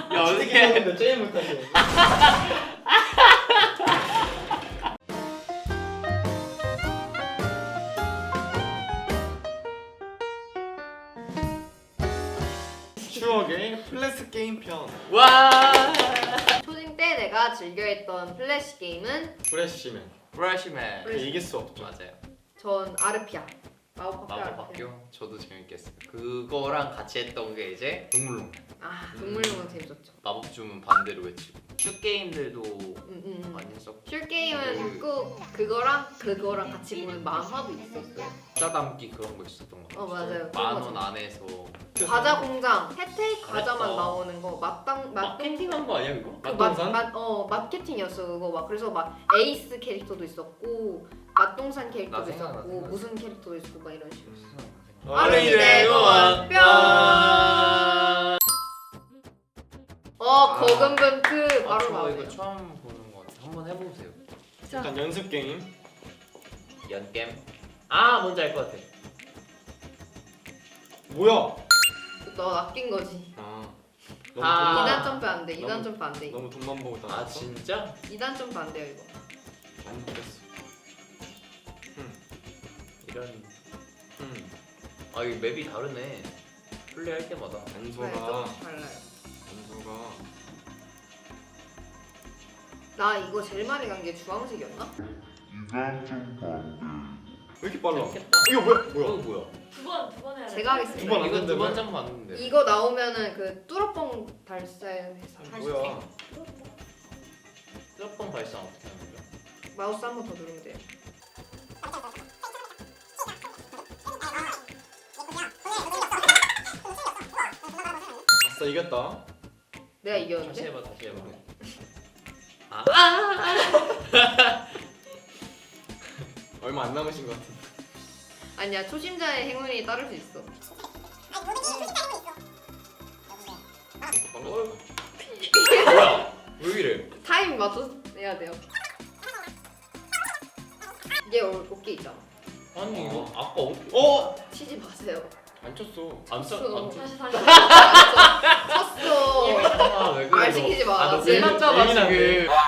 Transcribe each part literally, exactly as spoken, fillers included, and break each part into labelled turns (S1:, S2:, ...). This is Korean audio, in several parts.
S1: 야 어떻게?
S2: 근데 제일 못하시네. 추억의 플래스 게임 편.
S1: 와.
S3: 초딩 때 내가 즐겨했던 플래시 게임은
S2: 프레시맨.
S1: 브러쉬맨.
S3: 브러쉬.
S2: 이길 수 없죠.
S1: 맞아요.
S3: 전 아르피아. 마법 학교
S1: 마법
S3: 아르피아.
S1: 학교 저도 재밌겠어요. 그거랑 같이 했던 게 이제 동물농.
S3: 아 동물농은 재밌었죠.
S1: 마법 주문 반대로 외치고. 슛 게임들도
S3: 음, 음, 음.
S1: 많이 했었고.
S3: 술 게임은 꼭 그거랑 그거랑 같이 보는 만화도 있었어요.
S1: 과자 담기 그런 거 있었던 거 같아요.
S3: 어 맞아요.
S1: 만
S3: 그거
S1: 원 안에서.
S3: 과자 공장 혜택 과자만
S1: 잘했다.
S3: 나오는 거 맛당 맛
S1: 마케팅한 거 아니야 그거?
S3: 그
S2: 맛동산?
S3: 맛, 맛, 어 마케팅이었어 그거 막 그래서 막 에이스 캐릭터도 있었고 맛동산
S1: 나
S3: 캐릭터도
S1: 생각나,
S3: 있었고
S1: 생각나.
S3: 무슨 캐릭터도 있었고 막 이런 식으로.
S2: 어린이대 공원
S3: 뿅. 어 거금분크 바로
S1: 아, 저 이거
S3: 나오네요.
S1: 처음 보는 거 같아. 한번 해보세요.
S2: 일단 연습 게임.
S1: 연겜. 아 뭔지 알 것 같아.
S2: 뭐야?
S3: 너 낚인 거지.
S2: 아. 너무
S1: 아.
S2: 돈만,
S3: 이단 점프 안 돼. 이단
S2: 너무-
S3: 점프 안 돼. 이거.
S2: 너무 돈만 보고
S1: 아
S2: 다녔어?
S1: 진짜?
S3: 이단 점프 안 돼요 이거.
S2: 많이 먹겠어.
S1: 이런.
S2: 음.
S1: 아 이거 맵이 다르네. 플레이할 때마다.
S3: 네,
S2: 연소가
S3: 조금 달라요.
S2: 연소가
S3: 나 이거 제일 많이 간 게 주황색이었나?
S2: 왜 이렇게 빨라?
S1: 재밌겠다.
S2: 이거 뭐야?
S1: 이거
S2: 뭐야?
S1: 뭐야?
S4: 두 번, 두 번 해야 돼.
S3: 제가 하겠습니다.
S2: 두번안
S1: 이거
S2: 된다며?
S1: 두번 점 봤는데.
S3: 이거 나오면은 그 뚜러뻥 달사해서
S2: 아니,
S3: 할수
S2: 뭐야?
S1: 뚜껑 발상 어떻게 하는 거야?
S3: 마우스 한 번 더 누르면 돼요.
S2: 아싸 이겼다.
S3: 내가
S1: 다시
S3: 이겼는데?
S1: 해봐 다시 해봐. 아.
S2: 얼마 안 남으신 것 같은데.
S3: 아니야 초심자의 행운이 따를 수 있어.
S2: 빨라졌다.
S1: 뭐야? 왜 이래?
S3: 타임 맞춰 해야 돼요. 이게 어- 어깨 있잖아.
S1: 아니 이거
S2: 어.
S1: 아까 어디?
S2: 어?
S3: 치지 마세요.
S2: 안 쳤어.
S1: 안 써.
S3: 쳤어.
S1: 안 써.
S4: 다시 다시.
S3: 쳤어.
S1: 아, 왜 그래?
S3: 말
S1: 너.
S3: 시키지 마.
S1: 아, 너
S3: 제일
S1: 예민하잖아
S2: 예민한데.
S1: 지금.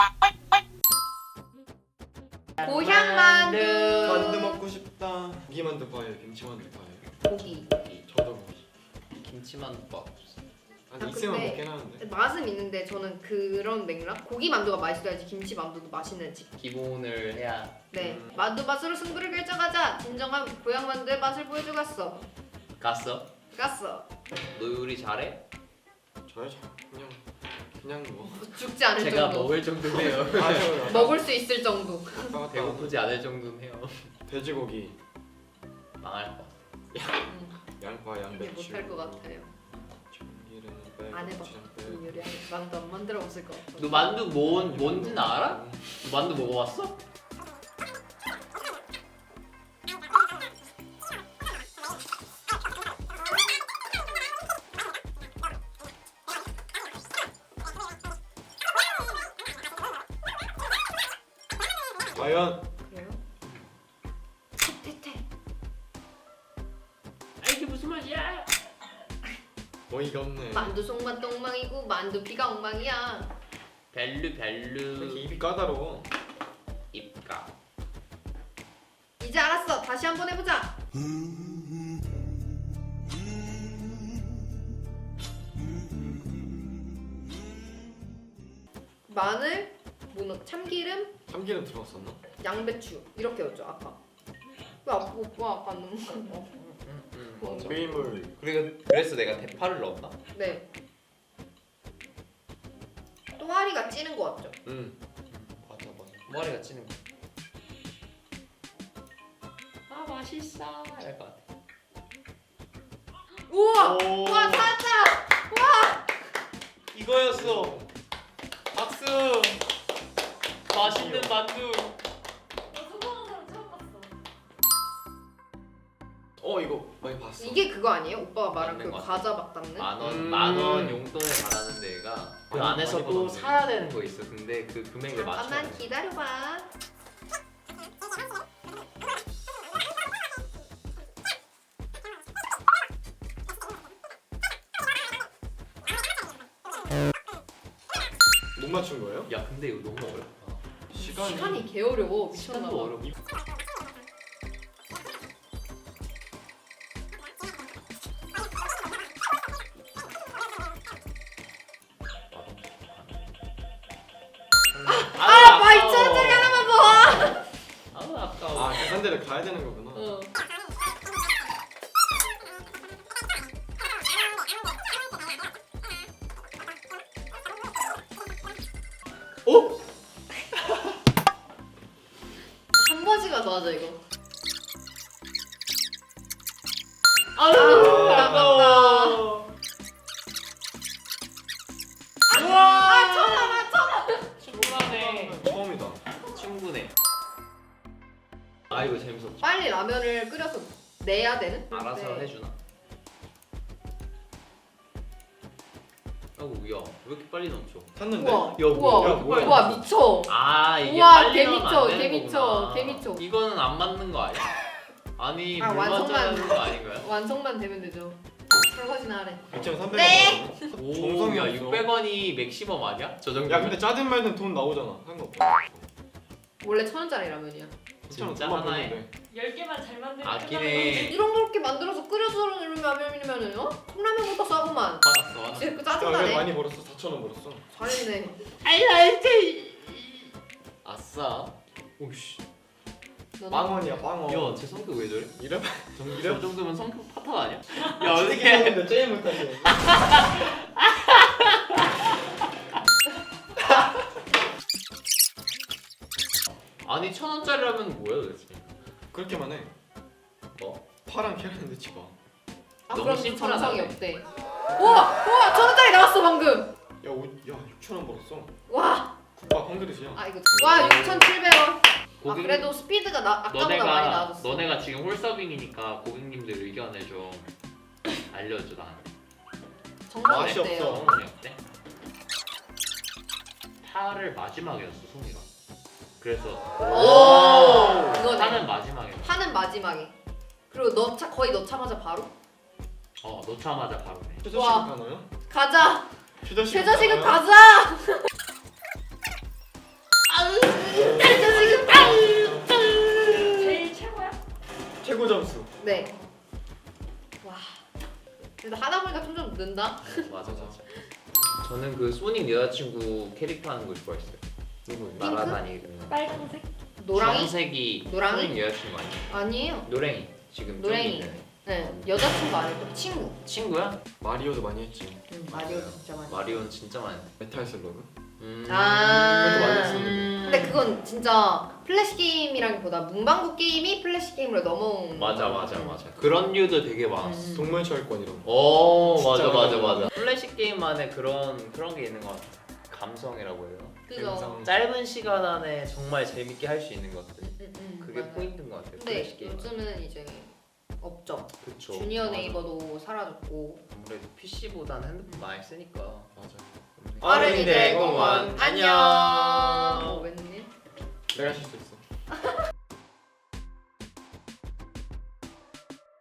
S3: 고향 만두.
S2: 만두 먹고 싶다. 고기 만두 파예요. 김치 만두 파예요.
S3: 고기.
S2: 저도 고기.
S1: 김치만두밥.
S2: 아니
S3: 아,
S2: 있으면
S3: 근데-
S2: 먹긴 하는데.
S3: 맛은 있는데 저는 그런 맥락? 고기 만두가 맛있어야지 김치 만두도 맛있는지.
S1: 기본을 해야.
S3: 네.
S2: 음.
S3: 만두 맛으로 승부를 결정하자. 진정한 고향 만두의 맛을 보여주겠어.
S1: 갔어?
S3: 갔어.
S1: 너 요리 잘해?
S2: 저요 저 그냥 그냥 뭐.
S3: 죽지 않을
S1: 제가
S3: 정도.
S1: 먹을 정도네요.
S2: 아유.
S3: 먹을 수 있을 정도.
S2: 아까
S1: 배고프지 않을 정도네요.
S2: 돼지고기,
S1: 망할 거.
S3: 음,
S2: 양파,
S3: 이게
S2: 양배추.
S3: 못할 것 같아요.
S2: 참기름 빼고
S3: 안 해봐.
S2: 고추장
S3: 이
S2: 빼고.
S3: 요리 만두 안 만들어 봤을 것 같아.
S1: 너 만두 뭔 뭔지는 알아? 너 만두 먹어봤어?
S2: 과연
S3: 그래요? 태태.
S1: 아 이게 무슨 맛이야?
S2: 어이가 없네.
S3: 만두 속맛 똥망이고 만두 피가 엉망이야.
S1: 별루
S2: 이렇게
S1: 별루
S2: 입이 까다로워.
S1: 입가.
S3: 이제 알았어. 다시 한번 해보자. 마늘, 뭐 참기름,
S2: 참기름 들어갔었나?
S3: 양배추 이렇게였죠 아까. 왜 아까 오빠 아까 넣은 거?
S1: 응, 응,
S3: 어.
S1: 맞아.
S2: 밀물.
S1: 그리고 그래서 내가 대파를 넣었나?
S3: 네. 또아리가 찌는 거 같죠?
S2: 응.
S1: 맞아 맞아. 머리가 찌는 거. 아 맛있어. 이럴 것 같아.
S3: 우와!
S2: 오.
S3: 우와 찾았다!
S1: 이거였어. 박수. 맛있는 만두.
S4: 나 성공한 사람 처음 봤어.
S2: 어 이거 많이 봤어.
S3: 이게 그거 아니에요? 오빠가 말한 그
S1: 맞는 것 같아.
S3: 과자 막 닦는?
S1: 만원
S2: 음.
S1: 만원 용돈을 받는 데가 그
S2: 많이-
S1: 안에서
S2: 많이
S1: 또
S2: 받았네.
S1: 사야 되는 거 있어. 근데 그 금액에 맞춰.
S3: 잠깐만 기다려봐.
S2: 못 맞춘 거예요?
S1: 야 근데 이거 너무 어렵다.
S2: 시간이,
S3: 시간이 개 어려워.
S1: 시간도
S3: 미쳤나봐.
S1: 어려워.
S3: 아, 막 이천 원짜리 하나만 봐.
S1: 아우 아까워.
S2: 아 계산대를 가야 되는 거구나.
S3: 어.
S2: 어?
S3: 한 번씩만 더 하자 이거.
S1: 아우
S3: 아깝다.
S1: 우와. 천하나 천하. 충분하네.
S2: 처음이다.
S1: 충분해. 아 이거 재밌었지.
S3: 빨리 라면을 끓여서 내야 되는?
S1: 알아서
S3: 네.
S1: 해주나? 아이고 야왜 이렇게 빨리 넘쳐?
S2: 탔는데.
S3: 우와.
S1: 야,
S3: 우와.
S2: 야, 뭐야.
S3: 우와 미쳐.
S1: 아 이게
S3: 우와,
S1: 빨리
S3: 개
S1: 넣으면
S3: 미쳐,
S1: 안 되는
S3: 개 미쳐,
S1: 거구나.
S3: 개 미쳐.
S1: 이거는 안 맞는 거 아니야? 아니
S3: 아,
S1: 물
S3: 완성만.
S1: 맞아야 하는 거 아닌가요?
S3: 완성만 되면 되죠. 설거지나 하래.
S2: 이천삼백 원.
S3: 네.
S1: 오,
S2: 정성이
S1: 야
S2: 없어.
S1: 육백 원이 맥시멈 아니야? 저 정도.
S2: 야 근데 짜든 말든 돈 나오잖아. 상관없어.
S3: 원래 천 원짜리 라면이야.
S1: 진짜
S2: 돈만
S1: 하나에.
S2: 벌면 돼.
S4: 열 개만 잘 만들면
S1: 아끼네.
S3: 이런 거 이렇게 만들어서 끓여주는 라면이면은 어? 컵라면보다 싸구만.
S1: 받았어. 받았어.
S3: 진짜 그
S2: 야, 왜
S3: 짜증나네.
S2: 많이 벌었어? 사천 원 벌었어.
S3: 잘했네.
S1: 아싸. 오씨.
S3: 너는
S2: 빵원이야 빵원.
S1: 야, 제 성격 왜 저래?
S2: 이래?
S1: 정,
S2: 이래?
S1: 저 정도면 성격 파탄 아니야? 야,
S2: 야
S1: 어떻게?
S2: 어떻게 제일 못하지?
S1: 아니 천 원짜리라면 뭐야 도대체?
S2: 그렇게만 해.
S1: 뭐?
S2: 파랑 계란 넣지 마.
S3: 아
S1: 너무
S3: 그럼
S1: 심플하다.
S3: 정성이 없대. 우와 우와 천 원짜리 나왔어 방금.
S2: 야, 오, 야 육천 원 벌었어.
S3: 와.
S2: 국밥 한 그릇이야.
S3: 아 이거 와 육천칠백 원. 아
S1: 고객-
S3: 그래도 스피드가 나 아까보다 많이
S1: 너네가
S3: 나아졌어.
S1: 너네가 지금 홀서빙이니까 고객님들 의견을 좀 알려줘 나.
S3: 정성이
S2: 맛이
S3: 없대요.
S2: 없어.
S1: 성이 어때? 파를 마지막에 넣었어 송이가. 그래서
S3: 오. 이거네.
S1: 파는 마지막에. 넣었어.
S3: 파는 마지막에. 그리고 넣자 거의 넣자마자 바로
S1: 어 넣자마자 바로 내.
S2: 최저시급
S3: 와.
S2: 가나요?
S3: 가자.
S2: 최저시급
S3: 최저시급
S2: 가나요?
S3: 가자. 최저시급 가.
S4: 제일 최고야?
S2: 최고 점수.
S3: 네. 와. 근데 하다 보니까 점점 는다.
S1: 맞아 맞아. 저는 그 소닉 여자친구 캐릭터 하는 거 좋아했어요.
S2: 누구?
S1: 날아다니는.
S4: 빨간색?
S3: 노랑이?
S1: 주황색이
S3: 노랑이?
S1: 소닉 여자친구 아니야?
S3: 아니에요.
S1: 노랭이 지금
S3: 노랭이.
S1: 저기 있는
S3: 네 여자친구 아니고 친구.
S1: 친구야?
S2: 마리오도 많이 했지.
S3: 응, 마리오 진짜 많이.
S1: 마리오는 진짜 많이.
S2: 메탈 슬러그.
S1: 음.
S3: 아.
S2: 그것도 많이 했었는데.
S1: 음.
S3: 근데 그건 진짜 플래시 게임이라기보다 문방구 게임이 플래시 게임으로 넘어온.
S1: 맞아 맞아 맞아. 그런 류도 되게 많았어.
S3: 음.
S2: 동물철권 이런 거.
S1: 오
S2: 진짜
S1: 맞아 맞아
S2: 많아.
S1: 맞아. 플래시 게임만의 그런 그런 게 있는 것 같아. 감성이라고 해요.
S3: 그죠.
S2: 감성.
S1: 짧은 시간 안에 정말 재밌게 할 수 있는 것들.
S3: 음, 음, 음,
S1: 그게
S3: 맞아요.
S1: 포인트인 것 같아요.
S3: 근데
S1: 플래시 게임.
S3: 요즘은 이제 없죠.
S1: 그쵸.
S3: 주니어
S1: 맞아.
S3: 네이버도 사라졌고.
S1: 아무래도 피씨보다는 핸드폰 많이 쓰니까.
S2: 맞아.
S3: 어른이들 공원 안녕. 어, 웬일?
S2: 내가 실수했어.